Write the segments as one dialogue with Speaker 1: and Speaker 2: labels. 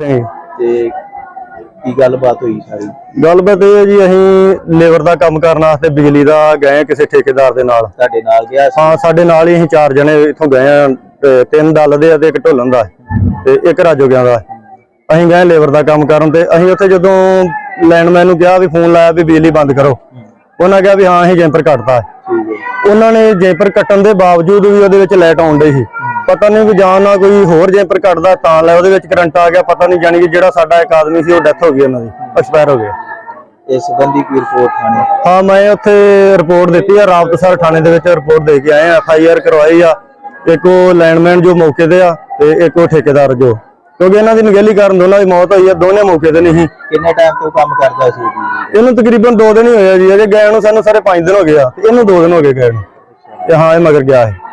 Speaker 1: ਤੇ ਕੀ ਗੱਲਬਾत ਹੋਈ ਸਾਰੀ?
Speaker 2: ਗੱਲਬਾत ਇਹ ਹੈ ਜੀ, ਅਸੀਂ ਲੇਬਰ ਦਾ ਕੰਮ ਕਰਨ ਵਾਸਤੇ ਬਿਜਲੀ ਦਾ ਗਏ ਕਿਸੇ ਠੇਕੇਦਾਰ ਦੇ ਨਾਲ।
Speaker 1: ਤੁਹਾਡੇ ਨਾਲ ਗਿਆ ਸੀ?
Speaker 2: ਹਾਂ, ਸਾਡੇ ਨਾਲ ਹੀ ਅਸੀਂ 4 ਜਣੇ ਇੱਥੋਂ ਗਏ ਆ, 3 ਦਲ ਦੇ ਆ ਤੇ 1 ਢੋਲਣ ਦਾ ਤੇ 1 ਰਾਜੋਗਿਆਂ ਦਾ। ਅਸੀਂ ਗਏ ਲੇਬਰ ਦਾ ਕੰਮ ਕਰਨ ਤੇ ਅਸੀਂ ਉੱਥੇ ਜਦੋਂ ਲਾਈਨਮੈਨ ਨੂੰ ਕਿਹਾ ਵੀ ਫੋਨ ਲਾਇਆ ਵੀ ਬਿਜਲੀ ਬੰਦ ਕਰੋ, ਉਹਨਾਂ ਕਿਹਾ ਵੀ ਹਾਂ ਅਸੀਂ ਜੈਂਪਰ ਕੱਟਤਾ। ਉਹਨਾਂ ਨੇ ਜੈਂਪਰ ਕੱਟਣ ਦੇ ਬਾਵਜੂਦ ਵੀ ਉਹਦੇ ਵਿੱਚ ਲਾਈਟ ਆਉਣ ਡਈ ਸੀ। ਪਤਾ ਨਹੀਂ ਵੀ ਜਾਂ ਨਾ ਕੋਈ ਹੋਰ ਜੈਂਪਰ ਕੱਟਦਾ ਤਾਂ ਲੈ ਉਹਦੇ ਵਿੱਚ ਕਰੰਟ ਆ ਗਿਆ, ਪਤਾ ਨਹੀਂ। ਜਾਣੀ ਕਿ ਜਿਹੜਾ ਸਾਡਾ ਇੱਕ ਆਦਮੀ ਸੀ ਉਹ ਡੈਥ ਹੋ ਗਈ, ਉਹਨਾਂ ਦੀ ਐਕਸਪਾਇਰ ਹੋ ਗਿਆ।
Speaker 1: ਇਸ ਸੰਬੰਧੀ ਕੋਈ ਰਿਪੋਰਟ ਥਾਣੇ?
Speaker 2: ਹਾਂ, ਮੈਂ ਉੱਥੇ ਰਿਪੋਰਟ ਦਿੱਤੀ ਆ, ਰਾਵਤਸਰ ਥਾਣੇ ਦੇ ਵਿੱਚ ਰਿਪੋਰਟ ਦੇ ਕੇ ਆਏ ਆ। FIR ਕਰਵਾਈ ਆ। ਇੱਕ ਉਹ ਲਾਈਨਮੈਨ ਜੋ ਮੌਕੇ ਤੇ ਆ ਤੇ ਇੱਕ ਉਹ ਠੇਕੇਦਾਰ ਜੋ, ਕਿਉਂਕਿ ਇਹਨਾਂ ਦੀ ਨਿਗਹਿਲੀ ਕਾਰਨ ਦੋਨਾਂ ਦੀ ਮੌਤ ਹੋਈ ਆ। ਦੋਨੇ ਮੌਕੇ ਤੇ ਨਹੀਂ।
Speaker 1: ਕਿੰਨੇ ਟਾਈਮ ਤੋਂ ਕੰਮ ਕਰਦਾ ਸੀ?
Speaker 2: ਇਹਨੂੰ ਤਕਰੀਬਨ 2 ਦਿਨ ਹੀ ਹੋਏ ਆ ਜੀ, ਅਜੇ ਗਏ ਨੂੰ ਸਾਨੂੰ ਸਾਰੇ 5 ਦਿਨ ਹੋ ਗਏ ਆ ਤੇ ਇਹਨੂੰ 2 ਦਿਨ ਹੋ ਗਏ ਗਏ ਨੂੰ। ਤੇ ਹਾਂ, ਇਹ ਮਗਰ ਗਿਆ ਹੈ।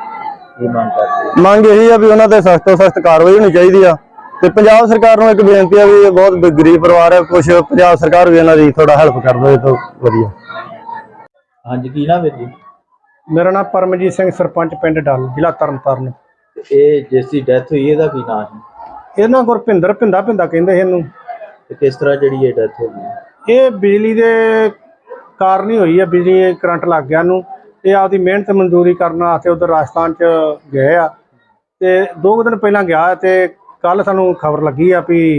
Speaker 2: ਮੰਗ ਇਹੀ ਆ ਵੀ ਉਹਨਾਂ ਤੇ ਸਖਤ ਤੋਂ ਸਖਤ ਕਾਰਵਾਈ ਹੋਣੀ ਚਾਹੀਦੀ ਆ। ਤੇ ਪੰਜਾਬ ਸਰਕਾਰ ਨੂੰ ਇੱਕ ਬੇਨਤੀ ਆ ਵੀ ਇਹ ਬਹੁਤ ਗਰੀਬ ਪਰਿਵਾਰ ਹੈ, ਕੁਝ ਪੰਜਾਬ ਸਰਕਾਰ ਵੀ ਇਹਨਾਂ ਦੀ ਥੋੜਾ ਹੈਲਪ ਕਰ ਦੇਵੇ ਤਾਂ ਵਧੀਆ।
Speaker 1: ਹਾਂਜੀ, ਕੀ ਨਾਮ ਹੈ ਜੀ?
Speaker 3: ਮੇਰਾ ਨਾਮ ਪਰਮਜੀਤ ਸਿੰਘ, ਸਰਪੰਚ ਪਿੰਡ ਡੱਲ, ਜ਼ਿਲ੍ਹਾ ਤਰਨਤਾਰਨ।
Speaker 1: ਇਹ ਜਿਸ ਦੀ ਡੈਥ ਹੋਈ ਇਹਦਾ ਕੀ ਨਾਮ ਹੈ?
Speaker 3: ਇਹਨਾਂ ਗੁਰਪਿੰਦਰ ਭਿੰਦਾ ਕਹਿੰਦੇ ਸੀ ਇਹਨੂੰ।
Speaker 1: ਤੇ ਕਿਸ ਤਰ੍ਹਾਂ ਜਿਹੜੀ ਇਹ ਡੈਥ ਹੋ ਗਈ?
Speaker 3: ਇਹ ਬਿਜਲੀ ਦੇ ਕਾਰਨ ਹੀ ਹੋਈ ਹੈ। ਬਿਜਲੀ ਕਰੰਟ ਲੱਗ ਗਿਆ ਇਹਨੂੰ। ਇਹ ਆਪਦੀ ਮਿਹਨਤ ਮਜ਼ਦੂਰੀ ਕਰਨ ਵਾਸਤੇ ਉਧਰ ਰਾਜਸਥਾਨ ਚ ਗਏ ਆ ਤੇ 2 ਦਿਨ ਪਹਿਲਾਂ ਗਿਆ ਤੇ ਕੱਲ ਸਾਨੂੰ ਖਬਰ ਲੱਗੀ ਆ ਵੀ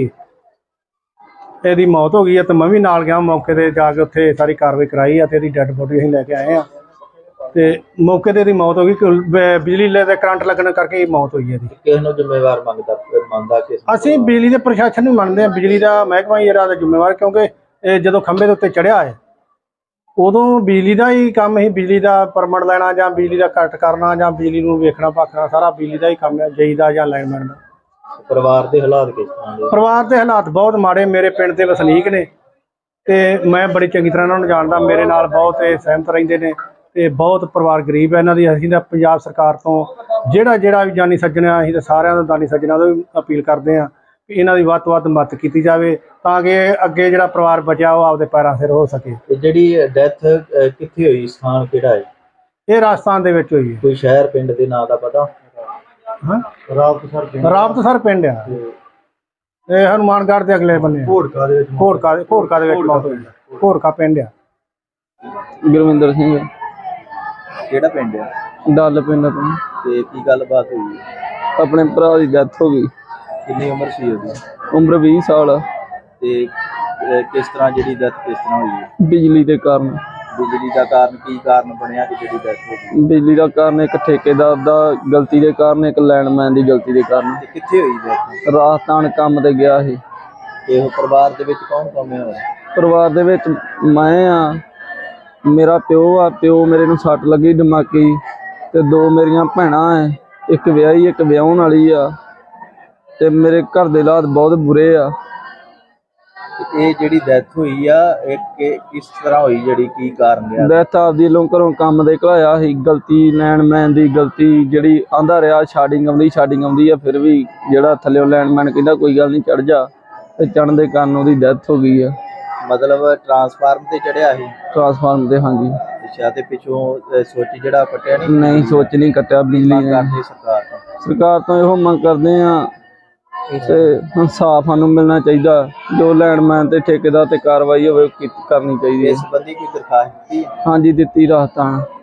Speaker 3: ਇਹਦੀ ਮੌਤ ਹੋ ਗਈ ਆ। ਤੇ ਮੈਂ ਵੀ ਨਾਲ ਗਿਆ, ਮੌਕੇ ਤੇ ਜਾ ਕੇ ਉੱਥੇ ਸਾਰੀ ਕਾਰਵਾਈ ਕਰਾਈ ਆ ਤੇ ਇਹਦੀ ਡੈੱਡ ਬੋਡੀ ਅਸੀਂ ਲੈ ਕੇ ਆਏ ਆ। ਤੇ ਮੌਕੇ ਤੇ ਇਹਦੀ ਮੌਤ ਹੋ ਗਈ, ਬਿਜਲੀ ਦੇ ਕਰੰਟ ਲੱਗਣ ਕਰਕੇ ਮੌਤ ਹੋਈ ਹੈ ਇਹਦੀ।
Speaker 1: ਕਿਸ ਨੂੰ ਜ਼ਿੰਮੇਵਾਰ ਮੰਨਦਾ ਕਿਸ?
Speaker 3: ਅਸੀਂ ਬਿਜਲੀ ਦੇ ਪ੍ਰਸ਼ਾਸਨ ਨੂੰ ਮੰਨਦੇ ਹਾਂ। ਬਿਜਲੀ ਦਾ ਮਹਿਕਮਾ ਹੀ ਇਹਦਾ ਜ਼ਿੰਮੇਵਾਰ, ਕਿਉਂਕਿ ਇਹ ਜਦੋਂ ਖੰਭੇ ਦੇ ਉੱਤੇ ਚੜਿਆ ਹੈ ਉਦੋਂ ਬਿਜਲੀ ਦਾ ਹੀ ਕੰਮ ਹੀ। ਬਿਜਲੀ ਦਾ ਪਰਮਿਟ ਲੈਣਾ ਜਾਂ ਬਿਜਲੀ ਦਾ ਕੱਟ ਕਰਨਾ ਜਾਂ ਬਿਜਲੀ ਨੂੰ ਵੇਖਣਾ ਭਾਖਣਾ ਸਾਰਾ ਬਿਜਲੀ ਦਾ ਹੀ ਕੰਮ ਹੈ, ਜਈ ਦਾ ਜਾਂ ਲਾਈਨਮੈਨ ਦਾ।
Speaker 1: ਪਰਿਵਾਰ ਦੇ ਹਾਲਾਤ ਕਿਸ ਤਰ੍ਹਾਂ ਦੇ?
Speaker 3: ਪਰਿਵਾਰ ਦੇ ਹਾਲਾਤ ਬਹੁਤ ਮਾੜੇ। ਮੇਰੇ ਪਿੰਡ ਦੇ ਵਸਨੀਕ ਨੇ ਤੇ ਮੈਂ ਬੜੀ ਚੰਗੀ ਤਰ੍ਹਾਂ ਇਹਨਾਂ ਨੂੰ ਜਾਣਦਾ। ਮੇਰੇ ਨਾਲ ਬਹੁਤ ਇਹ ਸਹਿਮਤ ਰਹਿੰਦੇ ਨੇ ਤੇ ਬਹੁਤ ਪਰਿਵਾਰ ਗਰੀਬ ਹੈ ਇਹਨਾਂ ਦੀ। ਅਸੀਂ ਤਾਂ ਪੰਜਾਬ ਸਰਕਾਰ ਤੋਂ ਜਿਹੜਾ ਵੀ ਜਾਨੀ ਸੱਜਣਾ, ਅਸੀਂ ਤਾਂ ਸਾਰਿਆਂ ਦਾ ਦਾਨੀ ਸੱਜਣਾ ਤੋਂ ਵੀ ਅਪੀਲ ਕਰਦੇ ਹਾਂ ਕਿ ਇਹਨਾਂ ਦੀ ਵੱਧ ਤੋਂ ਵੱਧ ਮਦਦ ਕੀਤੀ ਜਾਵੇ ਤਾਂ ਕਿ ਅੱਗੇ ਜਿਹੜਾ ਪਰਿਵਾਰ ਬਚਿਆ ਉਹ ਆਪਦੇ ਪੈਰਾਂ ਸਿਰ ਹੋ ਸਕੇ।
Speaker 1: ਤੇ ਜਿਹੜੀ ਡੈਥ ਕਿੱਥੇ ਹੋਈ, ਸਥਾਨ ਕਿਹੜਾ ਹੈ?
Speaker 3: ਇਹ ਰਾਜਸਥਾਨ ਦੇ ਵਿੱਚ ਹੋਈ ਹੈ।
Speaker 1: ਕੋਈ ਸ਼ਹਿਰ ਪਿੰਡ ਦੇ ਨਾਂ ਦਾ ਪਤਾ?
Speaker 3: ਹਾਂ, ਰਾਵਤਸਰ ਪਿੰਡ ਆ। ਇਹ ਹਨੂਮਾਨਗੜ੍ਹ ਦੇ ਅਗਲੇ ਬੰਨੇ ਘੋੜਕਾ ਦੇ ਵਿੱਚ ਮੌਤ ਹੋਈ ਹੈ। ਘੋੜਕਾ ਪਿੰਡ ਆ।
Speaker 2: ਗੁਰਵਿੰਦਰ ਸਿੰਘ।
Speaker 1: ਕਿਹੜਾ ਪਿੰਡ ਆ?
Speaker 2: ਡੱਲ ਪਿੰਡ ਤੋਂ।
Speaker 1: ਤੇ ਕੀ ਗੱਲਬਾਤ ਹੋਈ?
Speaker 2: ਆਪਣੇ ਭਰਾ ਦੀ ਡੈਥ ਹੋ ਗਈ।
Speaker 1: ਕਿੰਨੀ ਉਮਰ ਸੀ ਉਹਦੀ?
Speaker 2: ਉਮਰ 20 ਸਾਲ।
Speaker 1: ਤੇ ਕਿਸ ਤਰ੍ਹਾਂ ਜਿਹੜੀ ਡੈਥ ਕਿਸ ਤਰ੍ਹਾਂ ਹੋਈ ਹੈ?
Speaker 2: ਬਿਜਲੀ ਦੇ ਕਾਰਨ।
Speaker 1: ਬਿਜਲੀ ਦਾ ਕਾਰਨ ਕੀ ਕਾਰਨ ਬਣਿਆ ਕਿ ਜਿਹੜੀ ਡੈਥ ਹੋ ਗਈ?
Speaker 2: ਬਿਜਲੀ ਦਾ ਕਾਰਨ ਇੱਕ ਠੇਕੇਦਾਰ ਦਾ ਗਲਤੀ ਦੇ ਕਾਰਨ, ਇੱਕ ਲਾਈਨਮੈਨ ਦੀ ਗਲਤੀ ਦੇ ਕਾਰਨ।
Speaker 1: ਤੇ ਕਿੱਥੇ ਹੋਈ ਡੈਥ?
Speaker 2: ਰਾਜਸਥਾਨ ਕੰਮ ਤੇ ਗਿਆ ਸੀ।
Speaker 1: ਇਹ ਪਰਿਵਾਰ ਦੇ ਵਿੱਚ ਕੌਣ ਕੌਣ ਹੈ?
Speaker 2: ਪਰਿਵਾਰ ਦੇ ਵਿੱਚ ਮੈਂ ਆ, ਮੇਰਾ ਪਿਓ ਆ। ਪਿਓ ਮੇਰੇ ਨੂੰ ਸੱਟ ਲੱਗੀ ਦਿਮਾਗੀ ਤੇ 2 ਮੇਰੀਆਂ ਭੈਣਾਂ ਐ, ਇੱਕ ਵਿਆਹੀ ਇੱਕ ਵਿਆਹੁਣ ਵਾਲੀ ਆ ਤੇ ਮੇਰੇ ਘਰ ਦੇ ਹਾਲਾਤ ਬਹੁਤ ਬੁਰੇ ਆ।
Speaker 1: ਇਹ ਜਿਹੜੀ ਡੈਥ ਹੋਈ ਆ ਇਹ ਕਿਸ ਤਰ੍ਹਾਂ ਹੋਈ, ਜਿਹੜੀ ਕੀ ਕਾਰਨ ਆ?
Speaker 2: ਡੈਥ ਆਪਦੀ ਲੋਂ ਘਰੋਂ ਕੰਮ ਦੇ ਘਲਾਇਆ ਸੀ। ਗਲਤੀ ਲਾਈਨਮੈਨ ਦੀ ਗਲਤੀ, ਜਿਹੜੀ ਆਂਦਾ ਰਿਹਾ ਸ਼ਾਡਿੰਗ ਆਉਂਦੀ ਆ, ਫਿਰ ਵੀ ਜਿਹੜਾ ਥੱਲਿਓ ਲਾਈਨਮੈਨ ਕਹਿੰਦਾ ਕੋਈ ਗੱਲ ਨਹੀਂ ਚੜ ਜਾ, ਤੇ ਚੜਨ ਦੇ ਕਾਰਨ ਉਹਦੀ ਡੈਥ ਹੋ ਗਈ ਆ।
Speaker 1: ਮਤਲਬ ਟਰਾਂਸਫਾਰਮ ਤੇ ਚੜਿਆ ਸੀ?
Speaker 2: ਟਰਾਂਸਫਾਰਮ ਤੇ, ਹਾਂਜੀ।
Speaker 1: ਅੱਛਾ, ਤੇ ਪਿੱਛੋਂ ਸੋਚ ਜਿਹੜਾ ਕੱਟਿਆ
Speaker 2: ਨਹੀਂ, ਸੋਚ ਨਹੀਂ ਕੱਟਿਆ ਬਿਜਲੀ ਨੇ। ਸਰਕਾਰ ਤੋਂ ਇਹੋ ਮੰਗ ਕਰਦੇ ਆ ਤੇ ਇਨਸਾਫ ਸਾਨੂੰ ਮਿਲਣਾ ਚਾਹੀਦਾ। ਜੋ ਲਾਈਨਮੈਨ ਤੇ ਠੇਕੇਦਾਰ ਤੇ ਕਾਰਵਾਈ ਹੋਵੇ ਕਰਨੀ ਚਾਹੀਦੀ ਹੈ।
Speaker 1: ਇਸ ਸੰਬੰਧੀ ਕੋਈ ਦਰਖਾਸਤ ਦਿੱਤੀ?
Speaker 2: ਹਾਂਜੀ, ਦਿੱਤੀ ਰਾਜਸਥਾਨ।